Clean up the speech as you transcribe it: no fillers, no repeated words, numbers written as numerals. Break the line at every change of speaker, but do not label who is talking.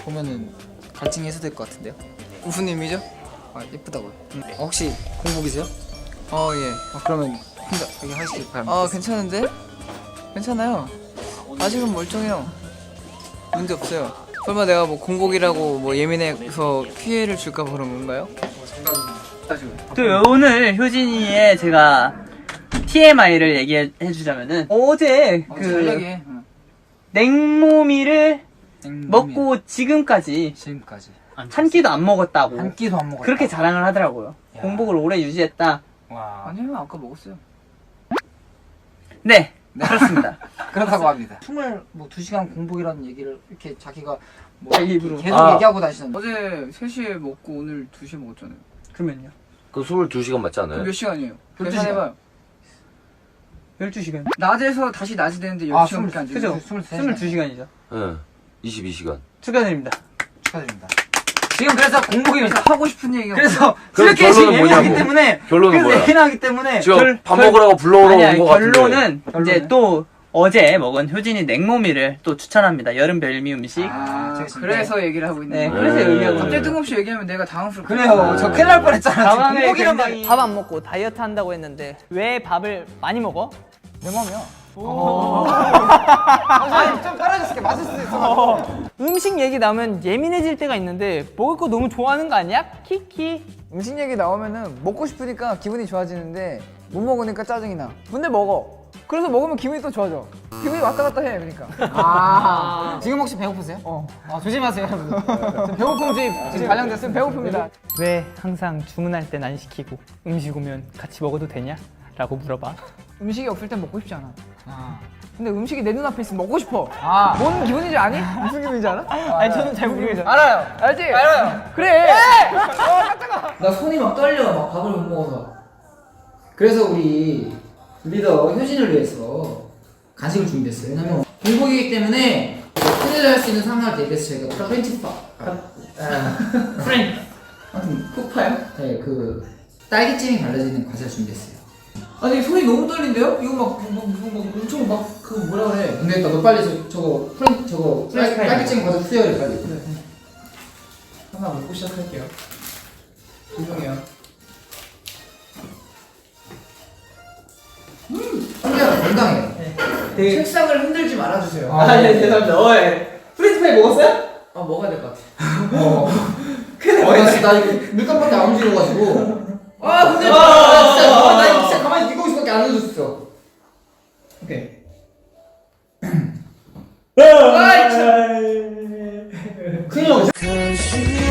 보면은 갈증이 해소될 것 같은데요? 무슨 의미죠? 아 예쁘다고요. 혹시 공복이세요? 예. 그러면 혼자 여기 하시길 바랍니다. 괜찮은데? 괜찮아요. 아직은 멀쩡해요. 문제 없어요. 설마 내가 뭐 공복이라고 뭐 예민해서 피해를 줄까 봐 그런 건가요?
또 오늘 효진이의 제가 TMI를 얘기해 주자면은 어제 그 냉모미를 먹고 지금까지 한 끼도 안 먹었다고
한 끼도 안 먹었다.
그렇게 자랑을 하더라고요.
야.
공복을 오래 유지했다.
와. 아니요, 아까 먹었어요.
네, 그렇습니다.
그렇다고 합니다. 22시간 공복이라는 얘기를 이렇게 자기가 뭐
자기 입으로.
계속 얘기하고 다니시는데
어제 3시에 먹고 오늘 2시에 먹었잖아요.
그러면요?
그 22시간 맞지 않아요?
그럼 몇 시간이에요?
12시간.
계산해봐요.
12시간.
낮에서 다시 낮이 되는데 10시간밖에 안 되죠?
그죠? 22시간이죠.
응. 22시간.
축하드립니다.
축하드립니다. 지금 그래서 공복이
하고 싶은 얘기가
그래서
그럼
이렇게
결론은
예민하기
뭐냐고?
때문에
결론은 뭐야?
예민하기 때문에
지금 밥 먹으라고 불러오러
아니야,
온 거 같은데.
결론은 이제 또 어제 먹은 효진이 냉모미를 또 추천합니다. 여름 별미 음식.
그래서 얘기를 하고 있는
네,
거예요.
그래서 의미하고
갑자기
있는
뜬금없이 얘기하면 내가 당황스럽고
그래요. 저 큰일 날 뻔했잖아.
가방에
공복이란
굉장히 밥 안 먹고 다이어트 한다고 했는데 왜 밥을 많이 먹어?
내 맘이야. 아니 좀 떨어졌을게. 맞을 수도 있어.
음식 얘기 나오면 예민해질 때가 있는데 먹을 거 너무 좋아하는 거 아니야? 키키.
음식 얘기 나오면은 먹고 싶으니까 기분이 좋아지는데 못 먹으니까 짜증이 나. 근데 먹어. 그래서 먹으면 기분이 또 좋아져. 기분이 왔다 갔다 해, 그러니까. 지금 혹시 배고프세요? 조심하세요, 여러분. 배고픔 지금 발령됐으면 배고픕니다.
왜 항상 주문할 땐 안 시키고 음식 오면 같이 먹어도 되냐? 라고 물어봐.
음식이 없을 땐 먹고 싶지 않아. 근데 음식이 내 눈앞에 있으면 먹고 싶어. 뭔 기분인지 아니? 무슨 기분인지 알아?
아니 저는 잘 모르겠어요.
알아요. 알지? 알아요. 그래. 깜짝아. 나 손이 막 떨려. 막 밥을 못 먹어서. 그래서 우리 리더 효진을 위해서 간식을 준비했어요. 왜냐면 공복이기 때문에 큰일 날 수 있는 상황을 대비해서 저희가 프렌치파. 아무튼 푸파요? 네, 그 딸기잼이 발라지는 과자를 준비했어요. 아니 손이 너무 떨린데요? 이거 막 엄청 막 그 뭐라 그래? 근데 너 빨리 저거 딸기잼 과자 수여해 빨리. 그래. 하나 먹고 시작할게요. 죄송해요. 한개가 건강해요. 네. 책상을 흔들지 말아주세요.
네, 죄송합니다. 프렌치파이 먹었어요?
먹어야 될 것 같아. 큰일 나 이거 물감밖에 안 움직여가지고. 근데 나 진짜 가만히 이거 있을밖에 안 해줬어. 오케이. 큰일 났어.